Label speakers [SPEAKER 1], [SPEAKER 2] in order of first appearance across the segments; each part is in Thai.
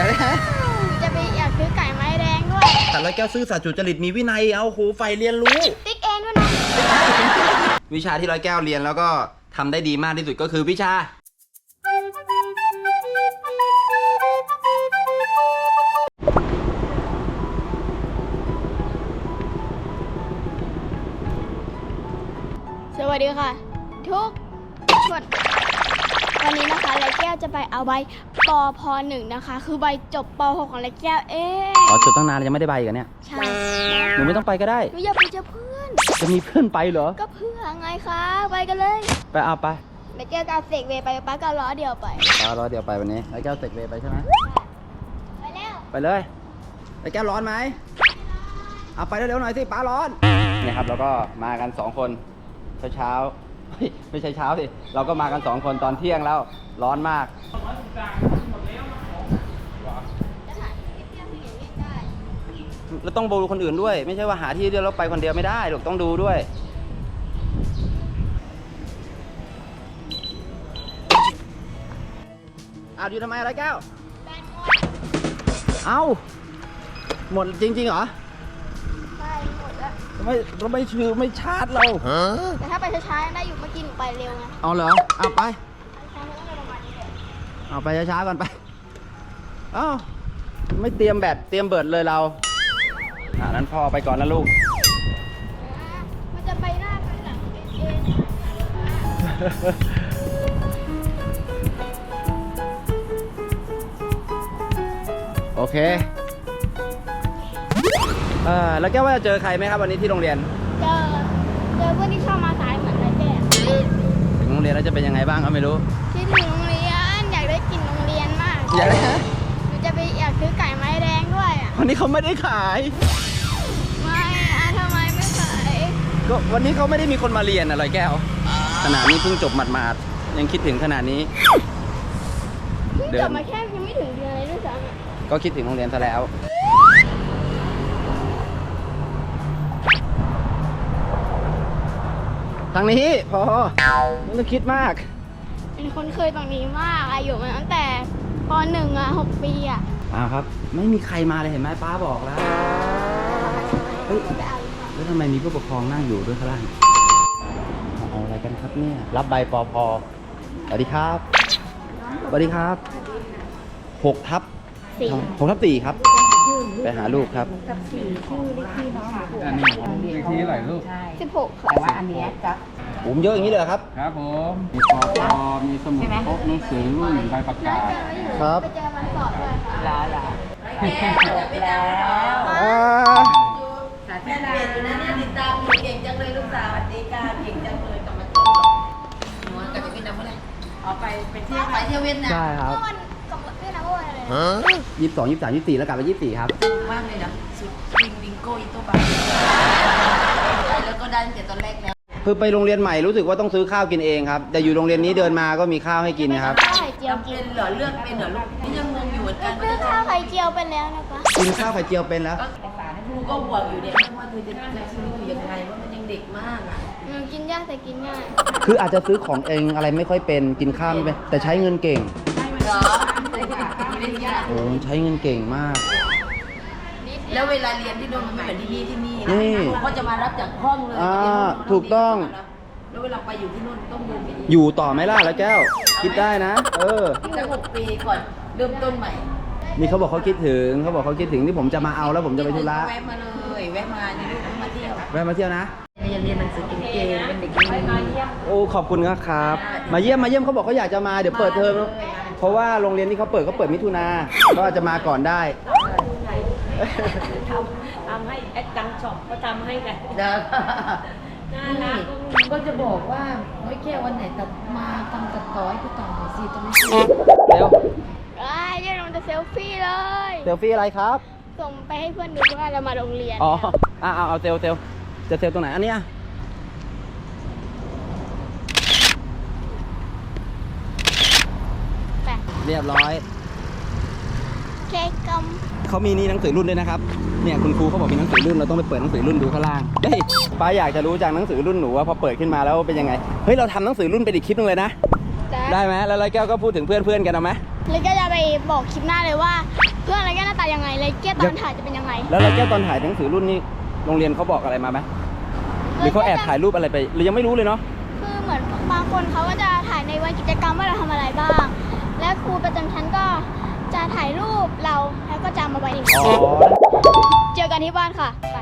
[SPEAKER 1] ากได้ฮะ
[SPEAKER 2] อยากซื้อไก่ไม้แดงด้วย
[SPEAKER 1] แต่ร้อยแก้วซื่อสัตย์สุจริตมีวินัยเอาโหใฝ่เรียนรู้
[SPEAKER 2] ติ๊กเองด้วยนะ
[SPEAKER 1] วิชาที่ร้อยแก้วเรียนแล้วก็ทำได้ดีมากที่สุดก็คือวิชา
[SPEAKER 2] สวัสดีค่ะทุกคนวันนี้นะคะร้อยแก้วจะไปเอาใบปพ.1 นะคะคือใบจบป.6 ของร้อยแก้ว
[SPEAKER 1] อ๋อจบตั้งนานยังไม่ได้ใบกันเนี่ย
[SPEAKER 2] ใช่
[SPEAKER 1] หนูไม่ต้องไปก็ได้
[SPEAKER 2] หนูอยากไปเจอเพื่อน
[SPEAKER 1] จะมีเพื่อนไปเหรอ
[SPEAKER 2] ก็เพื่อไงคะไปกันเลย
[SPEAKER 1] ไปเอาไป
[SPEAKER 2] ร้อยแก้วกับเสกเวไปป้าก็ล้อเดียวไป
[SPEAKER 1] ล้อเดียวไปวันนี้ร้อยแก้วเสกเวไปใช่ไหม
[SPEAKER 2] ไปแล้ว
[SPEAKER 1] ไปเลยร้อยแก้วร้อนไหมเอาไปเร็วๆหน่อยสิป้าร้อนเนี่ยครับเราก็มากัน2คนเช้าไม่ใช่เช้าสิเราก็มากัน2คนตอนเที่ยงแล้วร้อนมากแล้วต้องดูคนอื่นด้วยไม่ใช่ว่าหาที่เดียวแล้วไปคนเดียวไม่ได้หรอกต้องดูด้วยอยู่ทำไมอะไรแก้วเอ้าหมดจริงๆเหรอ
[SPEAKER 2] ใช่หมดแล้ว
[SPEAKER 1] เราไม่ชาร์จเรา
[SPEAKER 2] แต่ถ้าไปช้าๆได้อยู่เมื่อกี้หนูไปเร็วไง
[SPEAKER 1] เอาเหรอเอาไปเอาไปช้าๆก่อนไปเอ้าไม่เตรียมแบตเตรียมเบิร์ดเลยเรานั้นพ่อไปก่อนนะลูก
[SPEAKER 2] มันจะไปหน้าไปหลังเอง
[SPEAKER 1] โอเคแล้วแกว่าจะเจอใครไหมครับวันนี้ที่โรงเรียน
[SPEAKER 2] เจอเพื่อนที่ชอบมาสายเหมือนไรแก
[SPEAKER 1] ถึงโรงเรียนแล้วจะเป็นยังไงบ้างก็ไม่รู้
[SPEAKER 2] คิดถึงโรงเรียนอยากได้กลิ่นโรงเรียนมาก
[SPEAKER 1] อยากได้
[SPEAKER 2] หนูอยากซื้อไก่ไม้แดงด้วย
[SPEAKER 1] วันนี้เขาไม่ได้ขาย
[SPEAKER 2] ไม่ทำไมไม่ขาย
[SPEAKER 1] ก็วันนี้เขาไม่ได้มีคนมาเรียนอะไรแก้วขนาดนี้เพิ่งจบหมาดๆยังคิดถึงขนาดนี้
[SPEAKER 2] จบมาแค่ยังไม่ถึงเดือนเลยด้วยซ้ำ
[SPEAKER 1] ก็คิดถึงโรงเรียนซะแล้วทางนี้พอไม่ต้องคิดมาก
[SPEAKER 2] เป็นคนเคยตรงนี้มากอายุมาตั้งแต่ป.1 6 ปี
[SPEAKER 1] ครับไม่มีใครมาเลยเห็นไหมป้าบอกแล้วเฮ้ยแล้วทำไมมีผู้ปกครองนั่งอยู่ด้วยข้างล่างเอาอะไรกันครับเนี่ยรับใบปพ.สวัสดีครับสวัสดีครับ6 ทับ 4ครับไปหาลูกครับ
[SPEAKER 3] กับ4ชื่อเลขที่น้อง
[SPEAKER 4] อันนี้เลขที่เท่าไหร่ลูก
[SPEAKER 2] 16
[SPEAKER 3] แต่ว่าอันนี้จะ
[SPEAKER 1] ผมเยอะอย่างนี้เลยครับ
[SPEAKER 4] ครับผมมีปพ.มีสมุดพกหนังสือรุ่นใบประกาศ
[SPEAKER 1] ครับ
[SPEAKER 2] ไปเจอมันสอบด้วย
[SPEAKER 3] แล้ว
[SPEAKER 5] สาธิตเรียนอยู่นะเนี่ยติดตามอยู่เก่งจังเลยลูกสาวสวัสดีค่ะเก่งจังเลยกลับมาจบหนูกลับไปเวียดนามเมื่อไหร่ไปเที่ยวเวียดนาม
[SPEAKER 1] ใช่ครับ
[SPEAKER 2] วันกับเวียดนามวันอะไร
[SPEAKER 1] 22 23 24แล้วกลับไป24ครับ
[SPEAKER 5] มากเลยนะสุดบิงโก้อีโต้บาแล้วก็ได้ตั้งแต่ตอนแรกแล้ว
[SPEAKER 1] คือไปโรงเรียนใหม่รู้สึกว่าต้องซื้อข้าวกินเองครับแต่อยู่โรงเรียนนี้เดินมาก็มีข้าวให้กินนะครับ
[SPEAKER 2] ข้าวไข่เจียวกิน
[SPEAKER 5] เหรอเลือกเป็นเหรอลูกนี่ยังงงอยู่เหมือนกัน
[SPEAKER 2] ซื้อข้าวไข่เจียวเป็นแล้วนะคะ
[SPEAKER 1] กินข้าวไข่เจียวเป็นแล้ว
[SPEAKER 5] ครูก็ห่วงอยู่เด็กว่าเธอจะใช้ชีวิตอยู่ยังไงว่ามันยังเด็กมาก
[SPEAKER 2] กินยากแต่กินง่าย
[SPEAKER 1] คืออาจจะซื้อของเองอะไรไม่ค่อยเป็นกินข้าวไม่เป็นแต่ใช้เงินเก่ง
[SPEAKER 5] เหรอ
[SPEAKER 1] โอ้ใช้เงินเก่งมาก
[SPEAKER 5] แล้วเวลาเรียนที่โน่นมันไม่เหมือนที่นี่เขาจะมารับจากห้องเลย
[SPEAKER 1] ถูกต้อง
[SPEAKER 5] แล้วเวลาไปอยู่ที่โน่นต้องเดินไป
[SPEAKER 1] อยู่ต่อไหมล่ะแล้วแก้วคิดได้นะ
[SPEAKER 5] สัก6 ปีก่อนเริ่มต้นใหม่
[SPEAKER 1] นี่เขาบอกเขาคิดถึงที่ผมจะมาเอาแล้วผมจะไปธุระ
[SPEAKER 5] แวะมาเลยแวะมาในลูกมาเที่ยว
[SPEAKER 1] นะ
[SPEAKER 5] เรียนหนังสือเก่งๆเป็นเด็กดี
[SPEAKER 1] โอ้ขอบคุณครับมาเยี่ยมเขาบอกเขาอยากจะมาเดี๋ยวเปิดเทอมเพราะว่าโรงเรียนที่เขาเปิดมิถุนาก็อาจจะมาก่อนได้
[SPEAKER 3] ทำให้แอดดังช็อปก็ทำให้กัน
[SPEAKER 5] ก็จะบอกว่าไม่แค่วันไหนตัดมาทำตัดต่อให้กูต่อหน่อยสิจะไม่
[SPEAKER 1] เร็ว
[SPEAKER 2] ยังมันจะเซลฟี่เลย
[SPEAKER 1] เซลฟี่อะไรครับ
[SPEAKER 2] ส่งไปให้เพื่อนดูว่าเรามาโรงเรียน
[SPEAKER 1] เอาเซลจะเซลตรงไหนอันเนี้ยเรียบร้อย
[SPEAKER 2] เค้กกลม
[SPEAKER 1] เขามีนี่หนังสือรุ่นด้วยนะครับเนี่ยคุณครูเขาบอกมีหนังสือรุ่นเราต้องไปเปิดหนังสือรุ่นดูข้างล่างเฮ้ยป้าอยากจะรู้จากหนังสือรุ่นหนูว่าพอเปิดขึ้นมาแล้วเป็นยังไงเฮ้ยเราทำหนังสือรุ่นเป็นอีกคลิปนึงเลยนะได้ไหมแล้วร้อยแก้วก็พูดถึงเพื่อนกันเอาไหม
[SPEAKER 2] เลยก็จะไปบอกคลิปหน้าเลยว่าเพื่อนอะไรแก้วหน้าตายังไงเลยแก้วตอนถ่ายจะเป็นยังไง
[SPEAKER 1] แล้วไรแก้วตอนถ่ายหนังสือรุ่นนี้โรงเรียนเขาบอกอะไรมาไหมหรือเขาแอบถ่ายรูปอะไรไปหรือยังไม่รู้เลยเนาะ
[SPEAKER 2] คือเหมือนบางคนเขาก็จะถ่ายในวันกิจกรรมว่าเราทำอะไรบ้าง และครูประจำชั้นก็จะถ่ายรูปเราแล้วก็จะเอามาไว้ใน
[SPEAKER 1] อ๋อ
[SPEAKER 2] เจอกันที่บ้านค่ะไป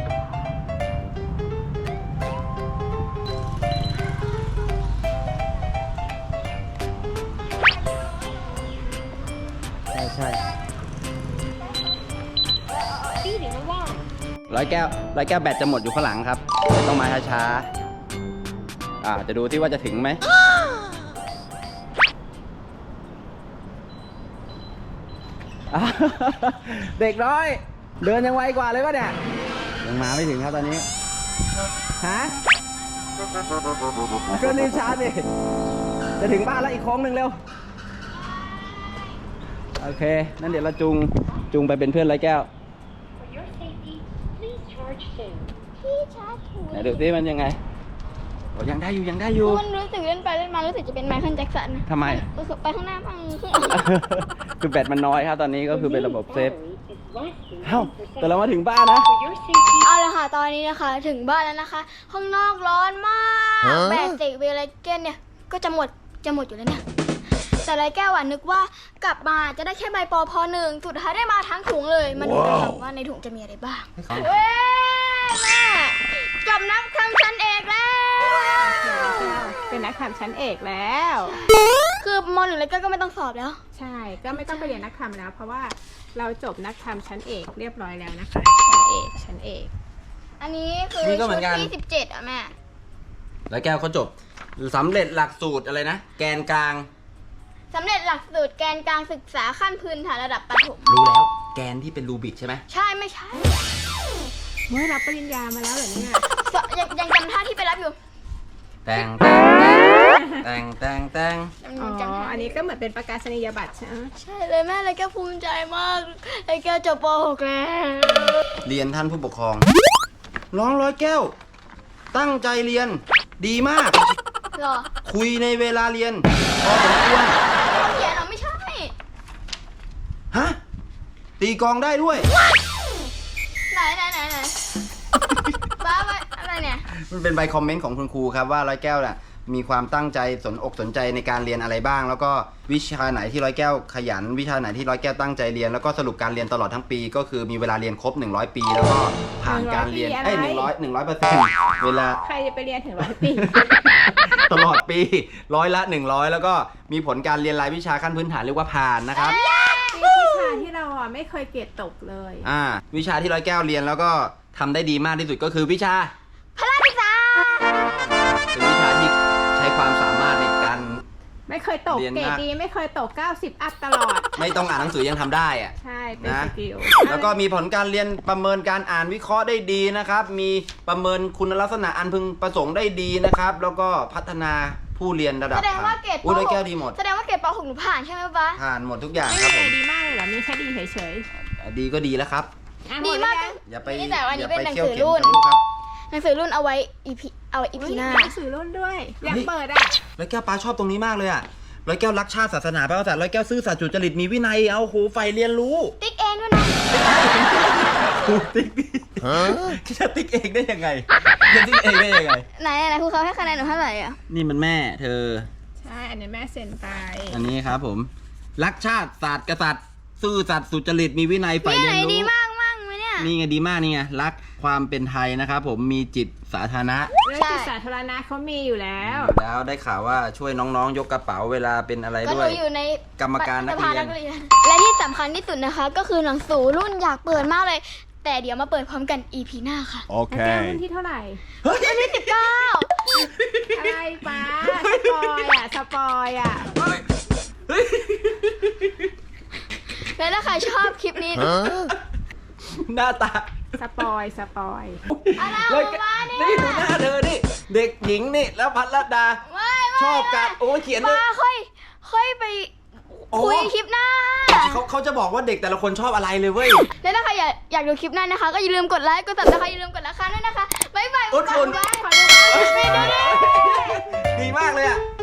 [SPEAKER 1] ใช่ร้อยแก้วแบตจะหมดอยู่ข้างหลังครับ ต้องมาช้าๆจะดูที่ว่าจะถึงไหม เด็กน้อย เดินยังไวกว่าเลยป่ะเนี่ยยังมาไม่ถึงครับตอนนี้ฮะก็รีบชาร์จดิจะถึงบ้านแล้วอีกโค้งหนึ่งเร็วโอเคนั่นเดี๋ยวเราจุงไปเป็นเพื่อนร้อยแก้ว
[SPEAKER 2] พี่ชาร์จถู
[SPEAKER 1] ไหนดูสิมันยังไงโอ้ยังได้อยู่
[SPEAKER 2] มันรู้สึกเล่นไปเล่นมารู้สึกจะเป็นไมเคิลแจ็คสันนะ
[SPEAKER 1] ทำไม
[SPEAKER 2] รู้สึกไปข้างหน้าบ้างข้าง
[SPEAKER 1] คือแบตมันน้อยครับตอนนี้ก็คือเป็นระบบเซฟเอ้าแต่เรามาถึงบ้านนะ
[SPEAKER 2] เอาละค่ะตอนนี้นะคะถึงบ้านแล้วนะคะ ข้างนอกร้อนมากแบตเสกเวลเกนเนี่ยก็จะหมดอยู่แล้วเนี่ยแต่ไรแก้วนึกว่ากลับมาจะได้แค่ใบปอพหนึ่งสุดท้ายได้มาทั้งถุงเลยมาดูกันค่ะว่าในถุงจะมีอะไรบ้างเว้ยแม่จบนักทำชั้นเอกแล้ว
[SPEAKER 3] เป็นนักทำชั้นเอกแล้ว
[SPEAKER 2] คือมหนึ่งไรแก้วก็ไม่ต้องสอบแล้ว
[SPEAKER 3] ใช่ก็ไม่ต้องไปเรียนนักทำแล้ว เพราะว่าเราจบนักทำชั้นเอกเรียบร้อยแล้วนะคะชั้นเอก
[SPEAKER 2] อันนี้คือ
[SPEAKER 1] นี่ก็เหมื
[SPEAKER 2] ชุ
[SPEAKER 1] อ
[SPEAKER 2] ด
[SPEAKER 1] นกัน
[SPEAKER 2] ที่17อ่ะแม่
[SPEAKER 1] ร้อยแก้วเขาจบสำเร็จหลักสูตรอะไรนะแกนกลาง
[SPEAKER 2] สำเร็จหลักสูตรแกนกลางศึกษาขั้นพื้นฐานระดับประถม
[SPEAKER 1] รู้แล้วแกนที่เป็นรูบิกใช่ไหม
[SPEAKER 2] ใช่ไม่ใช่
[SPEAKER 3] เมื่อรับปริญญามาแล้วเหรอเนี่ย
[SPEAKER 2] ยังจำท่าที่ไปรับอยู่
[SPEAKER 1] แต่ง
[SPEAKER 3] อ๋ออันนี้ก็เหมือนเป็นประกาศนียบัตรใช่ไหม
[SPEAKER 2] ใช่เลยแม่เลยแกภูมิใจมากเลยแกจบป .6 แล้ว
[SPEAKER 1] เรียนท่านผู้ปกครองน้องร้อยแก้ว ตั้งใจเรียนดีมาก
[SPEAKER 2] หรอ
[SPEAKER 1] คุยในเวลาเรียนพอสมควร
[SPEAKER 2] เขาเขียนเหรอไม่ใช่
[SPEAKER 1] ฮะตีกลองได้ด้วย
[SPEAKER 2] ไหนบ้าไปอะไรเนี่ย
[SPEAKER 1] มันเป็นใบคอมเมนต์ของคุณครูครับว่าร้อยแก้วน่ะมีความตั้งใจสนใจในการเรียนอะไรบ้าง แล้วก็วิชาไหนที่ร้อยแก้วขยัน วิชาไหนที่ร้อยแก้วตั้งใจเรียนแล้วก็สรุปการเรียนตลอดทั้งปี ก็คือมีเวลาเรียนครบ100 ปี แล้วก็ผ่านการเรียน100%เวลา
[SPEAKER 3] ใครจะไปเรียนถึง100 ปี
[SPEAKER 1] ตลอดปี100 ละ 100 แล้วก็มีผลการเรียนรายวิชาขั้นพื้นฐานเรียกว่าผ่านนะครับ
[SPEAKER 3] วิชาที่เราไม่เคยเกรดตกเลย
[SPEAKER 1] วิชาที่ร้อยแก้วเรียนแล้วก็ทำได้ดีมากที่สุดก็คือวิชา
[SPEAKER 2] พละศึกษา
[SPEAKER 1] เป็นวิชาที่ใช้ความสามารถในการ
[SPEAKER 3] ไม่เคยตก
[SPEAKER 1] เรียน
[SPEAKER 3] เกรด
[SPEAKER 1] มาก
[SPEAKER 3] ดีไม่เคยตก90 อัพตลอด
[SPEAKER 1] ไม่ต้องอ่านหนังสือยังทำได้อะ
[SPEAKER 3] ใช่เป็น
[SPEAKER 1] นะ
[SPEAKER 3] สกิล
[SPEAKER 1] แล้วก็มีผลการเรียนประเมินการอ่านวิเคราะห์ได้ดีนะครับ มีประเมินคุณลักษณะอันพึงประสงค์ได้ดีนะครับ แล้วก็พัฒนาผู้เรียนระดับ
[SPEAKER 2] แสดงว่าเกรดป
[SPEAKER 1] อุ้ยร้อยแก้ว
[SPEAKER 2] .6
[SPEAKER 1] ดีหมด
[SPEAKER 2] แสดงว่าเกรดป .6 หนูผ่านใช่ไหมป๊า
[SPEAKER 1] ผ่านหมดทุกอย่าง
[SPEAKER 3] ไม่
[SPEAKER 1] ครับผ
[SPEAKER 3] ได้
[SPEAKER 1] ม
[SPEAKER 3] ดีมากเลยเหรอ มีแค่ดีเฉย
[SPEAKER 1] ดีก็ดีแล้วครับ
[SPEAKER 3] ๆอ่ะ
[SPEAKER 2] ดีมาก
[SPEAKER 3] หดแล้วยัง
[SPEAKER 1] อย่าไป
[SPEAKER 2] นี่แต่ว่าอันนี้
[SPEAKER 1] อย่าไป
[SPEAKER 2] เป็นหนัง
[SPEAKER 1] เที่ยว
[SPEAKER 2] สือ
[SPEAKER 1] เข็ม
[SPEAKER 2] รุ่น
[SPEAKER 1] กับลูกครับ
[SPEAKER 2] หนังสือรุ่นเอาไว้ EP หน้า
[SPEAKER 3] หนังสือรุ่นด้วย อยากเปิดอ่ะ
[SPEAKER 1] ร้อยแก้วปาชอบตรงนี้มากเลยอ่ะร้อยแก้วรักชาติศาสนาพระกษัตริย์ร้อยแก้วซื่อสัตย์สุจริตมีวินัยเอาโหใฝ่เรียนรู้
[SPEAKER 2] ติ๊กเองด้วยนะ
[SPEAKER 1] ครูติ๊กจะติ๊กเองได้ยังไงจะติ๊กเองได้ยังไง
[SPEAKER 2] ไหนครูเขาให้คะแนนหนูเท่าไหร่อ่ะ
[SPEAKER 1] นี่มันแม่เธอ
[SPEAKER 3] ใช่ อันนี้แม่เซ็นไป
[SPEAKER 1] อันนี้ครับผม รักชาติศาสตร์กษัตริย์ซื่อสัตย์สุจริตมีวินัยใฝ่
[SPEAKER 2] นี่
[SPEAKER 1] เรี
[SPEAKER 2] ไหน
[SPEAKER 1] ยน
[SPEAKER 2] ดี
[SPEAKER 1] รู้
[SPEAKER 2] มากไหมเนี่ย
[SPEAKER 1] นี่ไงดีมากนี่ไงรักความเป็นไทยนะครับผมมีจิตสาธารณะ
[SPEAKER 3] เรื่องจิตสาธารณะเขามีอยู่แล้ว
[SPEAKER 1] แล้วได้ข่าวว่าช่วยน้องๆ ยกกระเป๋าเวลาเป็นอะไร
[SPEAKER 2] ก็
[SPEAKER 1] ด้
[SPEAKER 2] ห
[SPEAKER 1] ว
[SPEAKER 2] นู
[SPEAKER 1] ย
[SPEAKER 2] อยู่ใน
[SPEAKER 1] กรรมการนักเรียน
[SPEAKER 2] สภและที่สำคัญที่สุดนะคะ ก็คือหนังสือรุ่นอยากเปิดมากเลย แต่เดี๋ยวมาเปิดพร้อมกัน EP หน้าค่ะ
[SPEAKER 3] แล้วแก้วรุ่นที่เท่าไหร่
[SPEAKER 2] วันที่19
[SPEAKER 3] อะไรป้าสปอยอ่ะ
[SPEAKER 2] แล้วถ้าใครชอบคลิปนี้
[SPEAKER 1] หน้าตา
[SPEAKER 3] สปอย
[SPEAKER 2] อะไร
[SPEAKER 1] เลย
[SPEAKER 2] มาเนี่ย
[SPEAKER 1] นี่ดูหน้าเธอนี่เด็กหญิงนี่แล้วพัทรดา
[SPEAKER 2] ไม่
[SPEAKER 1] ชอบกันโอ้ยเขียนเลย
[SPEAKER 2] มาค่อยไป
[SPEAKER 1] โอ้
[SPEAKER 2] คุยคลิปหน้า
[SPEAKER 1] เขาจะบอกว่าเด็กแต่ละคนชอบอะไรเลยเว้ย
[SPEAKER 2] แล้วถ้าใครอยากดูคลิปหน้านะคะ ก็อย่าลืมกดไลค์กดซับสไครต์อย่าลืมกดราคาด้วยนะคะบ๊ายบาย
[SPEAKER 1] อุ่นๆ
[SPEAKER 2] ขอดูบ้าง
[SPEAKER 1] ดีมากเลยอ่ะ